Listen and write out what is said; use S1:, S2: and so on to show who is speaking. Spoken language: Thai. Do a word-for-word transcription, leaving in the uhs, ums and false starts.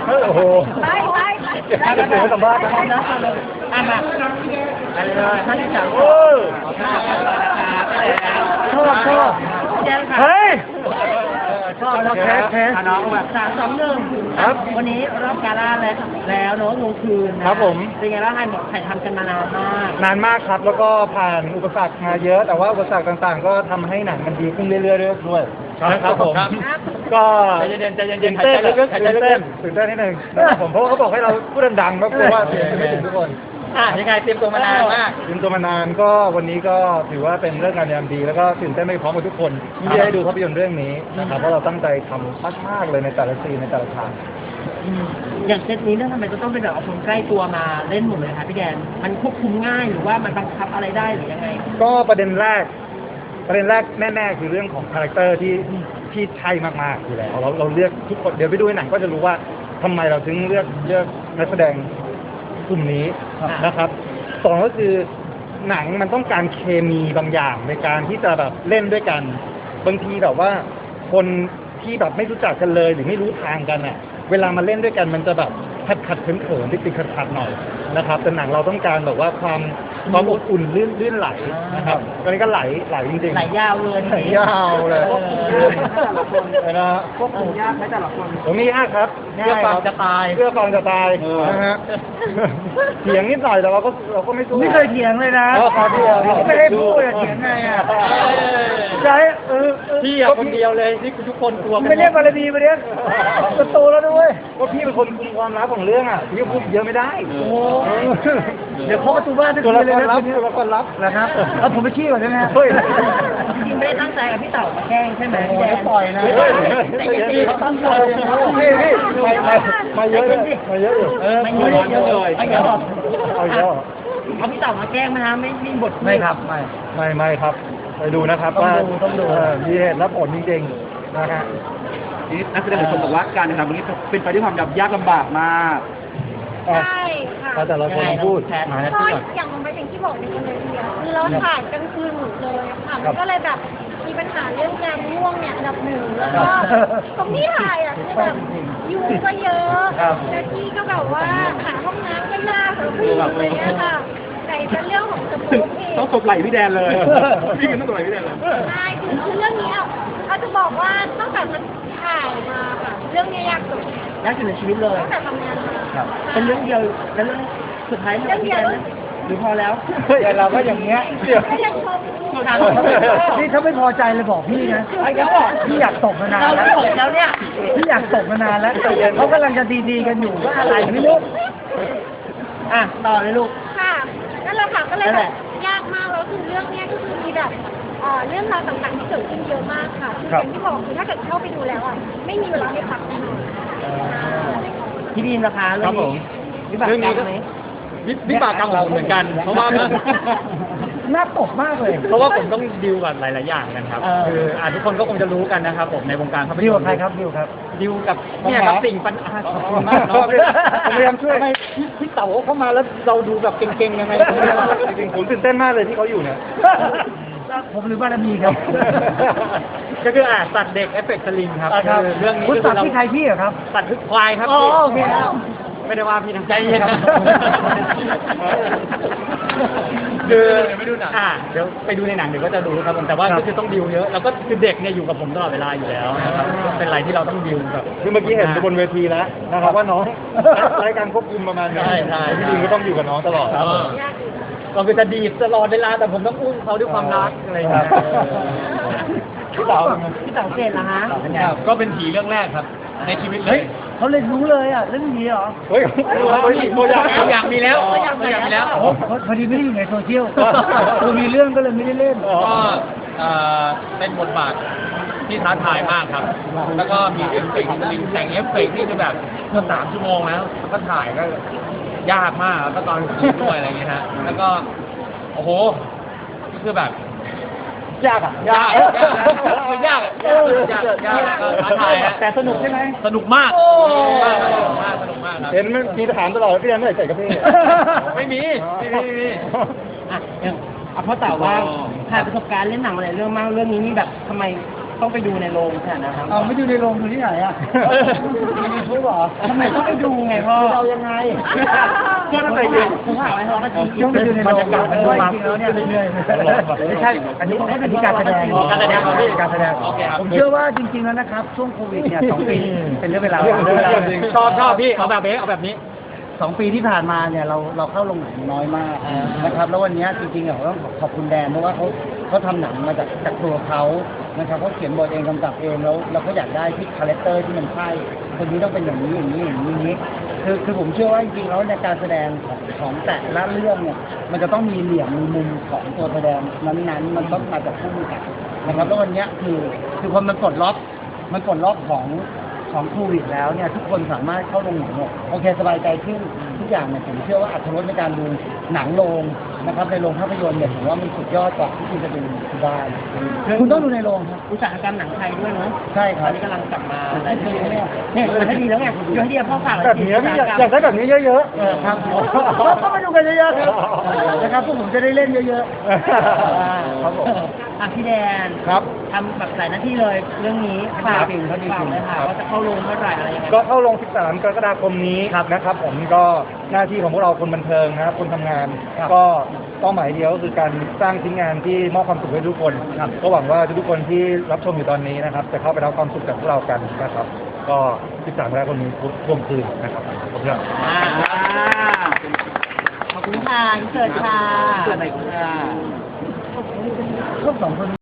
S1: โอ้โห
S2: ไปไปไป
S1: ไปเดี๋ยวสัมภาษณ์นะ
S3: นะอ่ะมาอะไรเลยท่านที่สาม
S1: โอ้ชอบชอบเฮ้ยชอบชอบแคสแคส
S3: น้องแบบสามสองหนึ่งครับวันนี้รอบกาล่าแล้วแล้วเนาะลงคืนนะครับ
S1: ผม
S3: เป็นไงบ้างถ่ายถ่ายทำกันมานานมาก
S1: นานมากครับแล้วก็ผ่านอุปสรรคมาเยอะแต่ว่าอุปสรรคต่างๆก็ทำให้หนังมันดีขึ้นเรื่อยๆด้วยนะครับผมก็
S3: ใจเย็นใจเย็น
S1: ตื่นเต้นลึกๆตื่นเต้นตื่นเต้นนิดนึงผมเพราะเขาบอกให้เราพูดดังๆก็กลัวว่าเสียงจะไม่ถึงทุกคน
S3: อ่ะยังไงเตรียมตัวมานานมาก
S1: เตรียมตัวมานานก็วันนี้ก็ถือว่าเป็นเรื่องงานยามดีแล้วก็ตื่นเต้นไปพร้อมกับทุกคนที่ได้ดูภาพยนตร์เรื่องนี้นะครับเพราะเราตั้งใจทำมากๆเลยในแต่ละซีนในแต่ละฉาก
S3: อย่างเซตนี้เนี่ยทำไมจะต้องเป็นแบบเอาคนใกล้ตัวมาเล่นหมดเลยคะพี่แดนมันควบคุมง่ายหรือว่ามันบังคับอะไรได้หรือยังไง
S1: ก็ประเด็นแรกประเด็นแรกแน่ๆคือเรื่องของคาแรคเตอร์ที่ที่ใช่มากๆอยู่แล้วเราเราเลือกทุกคนเดี๋ยวไปดูในหนังก็จะรู้ว่าทำไมเราถึงเลือกเลือกนักแสดงกลุ่มนี้นะครับสองก็คือหนังมันต้องการเคมีบางอย่างในการที่จะแบบเล่นด้วยกันบางทีแบบว่าคนที่แบบไม่รู้จักกันเลยหรือไม่รู้ทางกันอ่ะเวลามาเล่นด้วยกันมันจะแบบขัดขัดเขินเขินติดติดขัดขัดหน่อยนะครับแต่หนังเราต้องการแบบว่าความความอบอุ่นลื่นลื่นไหลนะครับตอนนี้ก็ไหลไหลจริงๆ
S3: ไหลยาวเลย
S1: ไหลยาวเลยนะฮะ
S3: ควบคุมยากไหมแต่ละคน
S1: ผมมียากครับ
S3: เพื่อฟังจะตาย
S1: เพื่อฟังจะตายนะฮะเถียงนิดหน่อยแต่เราก็เราก็ไม่สู้
S3: ไม่เคยเถียงเลยนะ
S1: ไม่ได้พูดเถียงไงอ่ะใช่เออ
S3: พี่อะคนเดียวเลยที่ทุกคนกลัว
S1: ไม่เรียกบารมีมาเรียกโตแล้วด้วยว่าพี่เป็นคนคุมความลับของเรื่องอ่ะพี่พูดเยอะไม่ได้
S3: เดี๋ยวเคาะประตูบ้านทุก
S1: ที
S3: เลยนะ
S1: ตัวละครลับ
S3: นะครับเอาผมไปขี้ก่อนได้ไหมเฮ้ยจริงไม่ได้ตั้งใจกับพี่เต่าแกล้งใช่ไหมพี่แดน
S1: ปล่อยนะ
S3: แต่จริงเขาตั้งใจ
S1: พี่พี่มามาเยอะเลยมาเยอะอยู่
S3: เออไม่เยอะเยอะเลยไม่เยอะ
S1: เอาเยอะ
S3: เอาพี่เต่ามาแกล้งไหมฮะไม่มีบท
S1: ไม่ครับไม่ไม่ไม่ครับไปดูนะครับว่ามีเหตุและผลจริงๆนะฮะ
S4: นักแสดงหลายคนบอกว่าการทำวันนี้เป็นไปด้วยความยากลำบากมาก
S2: ใช่ค่ะ
S1: แต่ละคนพูด
S2: ก็อย่างมันไปอย่างที่บอกในคอนเทนต์คือเราถ่ายกลางคืนหมดเลยค่ะมันก็เลยแบบมีปัญหาเรื่องงานง่วงเนี่ยอันดับหนึ่งแล้วก็ตรงที่ถ่ายอ่ะคือแบบยุงก็เยอะและที่ก็แบบว่าหาห้องน้ำก็ยากหรือผู้อะไรเงี้ยค่ะแต่เป็นเรื่องของสปูเอง
S4: ต้องตบไหล่พี่แดนเลยพี่มันต้องตบไหล่พี่แดนเลย
S2: ใช่คือเรื่องนี้อ่ะเขาจะบอกว่าตั้งแต่มันถ่ายมาค่ะเรื่องนี้ยากสุด
S3: ยากสุดในชีวิตเลย
S2: ตั้งแต่ทำงานมา
S3: เป็นเรื่องเดียวแล้วเรื่องสุดท้ายเรื่องเดียวหรือพอแล้ว
S1: เดี๋ยวเราก็อย่างเงี้ยเดี๋ยวนี่ถ้าไม่พอใจเลยบอกพี่นะ
S3: ไอ้เขาบอก
S1: พี่อยากตกมานาน
S3: แล้วแล้วเนี่ย
S1: พี่อยากตกมานานแล้วเขากำลังจะดีๆกันอยู่ว่าอะไรไม่รู้
S3: อ่ะต่อเลยลูก
S2: ค่ะนั่นแหละค่ะก็เลยแบบยากมากแล้วคือเรื่องนี้ก็คือมีแบบเรื่องราวต่างๆที่เกิดขึ้นเยอะมากค่ะคืออย่างที่บอกคือถ้าเกิดเข้าไปดูแล้วอ่ะไม่มีเวลาให้พักแน่นอน
S3: พี่บีมนะคะเรื่องนี้วิบากกรรมไหม
S4: วิบากกรรมของผมเหมือนกันเพราะว่า
S1: น่าตกมากเลย
S4: เพราะว่าผมต้องดิวกับหลายๆอย่างกันครับคืออ่าทุกคนก็คงจะรู้กันนะครับผมในวงการภาพยนตร์
S1: ดิวกับใครครับดิวครับ
S4: ดิวกับเนี่ยครับสิ่งปัญหาขอบคุณมากเนาะ
S1: พยายามช่วย
S4: ทำไมพี่เต๋าเข้ามาแล้วเราดูแบบเก่งๆยังไง
S1: จริงๆผมตื่นเต้นมากเลยที่เขาอยู่เนี่ยผมหรือบารมีครับ
S4: ก็คืออ่าสัตว์เด็กเอฟเฟกต์สลิงครับ
S1: เรื่องนี้คุณสัตว์ที่ใครพี่เหรอครับ
S4: สัตว์คือควายครับ
S1: อ๋อโอเค
S4: ไม่ได้ว่าพี่ทางใจเย็นคืออ่าเดี๋ยวไปดูในหนังเดี๋ยวก็จะดูครับผมแต่ว่าก็คือต้องดิวเยอะแล้วก็คือเด็กเนี่ยอยู่กับผมตลอดเวลาอยู่แล้วนะครับเป็นอะไรที่เราต้องดิวแบบ
S1: คือเมื่อกี้เห็นบนเวทีแล้วนะครับว่าน้องรายการควบคุมประมาณนี้
S4: ใช่ใช่
S1: พี่ดิวก็ต้องอยู่กับน้องตลอด
S4: เราคือจะดีตลอดเวลาแต่ผมต้องอุ้มเขาด้วยความรักอะไรอย่างเงี้ย
S1: พี่เต๋า
S3: พี่เต๋าเกศเหรอฮะ
S4: ก็เป็นผีเรื่องแรกครับในชีวิตเลย
S3: เขาเลยรู้เลยอ่ะเรื่องนี้เหรอ
S1: เฮ้ย
S4: ตัวอย่างตัวอย่างมีแล้วตัวอย่างมีแล้ว
S1: พอดีไม่ได้อยู่ในโซเชียลตัวมีเรื่องก็เลยไม่ได้เล่น
S4: ก็เป็นบทบาทที่ท้าทายมากครับแล้วก็มีเอฟเฟกต์ลิงแต่งเอฟเฟกต์ที่จะแบบเกือบสามชั่วโมงแล้วแล้วก็ถ่ายก็ยากมากแล้วก็ตอนคิดด้วยอะไรอย่างเงี้ยฮะแล้วก็โอ้โหคือแบบ
S1: ยากอ่ะ
S4: ยากยากยากยากยากท้าทาย
S1: แต่สนุกใช่ไหม
S4: สนุกมากสนุกมากสนุกมาก
S1: เห็นมันมีถามตลอดพี่ยังไม่ใส่กับพี่
S4: ไม่มีไม่มีไม่มี
S3: อ่ะเอาเพราะแต่ว่าผ่านประสบการณ์เล่นหนังอะไรเรื่องมากเรื่องนี้นี่แบบทำไมต้องไปดูในโรงขนาดนะครับ
S5: เอาไม่ดูในโรงดูที่ไหนอ่ะในยูทูบเหรอ
S3: ทำไมต้องไปดูไงพ่อ
S5: เรายังไง
S3: เพื่อนไปดูผมถามไว้เขาก็จริง
S5: ต้องไปดูในโรงเพราะว่าจริงๆแล้วเนี่ยไม่ใช่อันนี้อันนี้การแสดง
S4: การแสดงครับพี่
S5: การแสดง
S4: โอเคครับ
S5: ผมเชื่อว่าจริงๆแล้วนะครับช่วงโควิดเนี่ยสองปีเป็นเรื่องเวลา
S1: ชอบชอบพี่เอาแบบนี้เอาแบบนี้
S5: สองปีที่ผ่านมาเนี่ยเราเราเข้าโรงหนังน้อยมากนะครับแล้ววันนี้จริงๆเราต้องขอบคุณแดนเพราะว่าเขาเขาทำหนังมาจากจากตัวเขานะครับเขาเขียนบทเองกำกับเองแล้วเราก็อยากได้ที่คาแรคเตอร์ที่มันใช่คนนี้ต้องเป็นอย่างนี้อย่างนี้อย่างนี้อย่างนี้คือคือผมเชื่อว่าจริงๆแล้วในการแสดงของของแต่ละเรื่องเนี่ยมันจะต้องมีเหลี่ยมมีมุมของตัวแสดงนั้นๆ มันต้องมาจากผู้กำกับนะครับแล้ววันนี้คือคือคนมันปลดล็อกมันปลดล็อกของของโควิดแล้วเนี่ยทุกคนสามารถเข้าโรงหนังเนี่ยโอเคสบายใจขึ้นทุกอย่างเนี่ยผมเชื่อว่าอรรถรสในการดูหนังโรงนะครับในโรงภาพยนตร์เนี่ยผมว่ามันสุดยอดกว่าที่คุณจะดูที่บ้านคุณต้องดูในโรงครับ
S3: อุตสาหกรรมหนังไทยด้วยเนาะ
S5: ใช่ค
S3: ต
S5: รั
S3: อบ นนี้กำลังกลับมาได้ดีเนี่ยเนี่ยอยู่ให้ดีแล้วไงอยู่ให้ดีพ่อฝาก
S1: แบบนี้พี่อยากอยากได้แบบนี้เยอะ
S5: เออครับก็ก็มาดูกันเยอะๆครับนะครับพวกผมจะได้เล่นเยอะๆครับผม
S3: อ่ะพี่แดน
S1: ๆครับ
S3: ทำแบบหลายหน้าที่เลยเรื่องนี้ฝาก
S5: จริงครับจริง
S3: ฝากเลยค่ะว่าจะเข้าโรงเมื่อไหร่อะไรยังไง
S1: ก็เข้าลง สิบสาม กรกฎาคมนี้นะครับผมก็หน้าที่ของพวกเราคนบันเทิงนะครับคนทำงาน ก็เป้าหมายเดียวก็คือการสร้างชิ้นงานที่มอบความสุขให้ทุกคนครับก็หวังว่าทุกคนที่รับชมอยู่ตอนนี้นะครับจะเข้าไปรับความสุขจากพวกเรากันนะครับ ก็ สิบสาม กรกฎาคมนี้ทุกช่วงคืนนะครับขอบคุณครับ
S3: อ่าขอบคุณค่ะอินเสิร์ตค่ะ
S5: พวกสองคน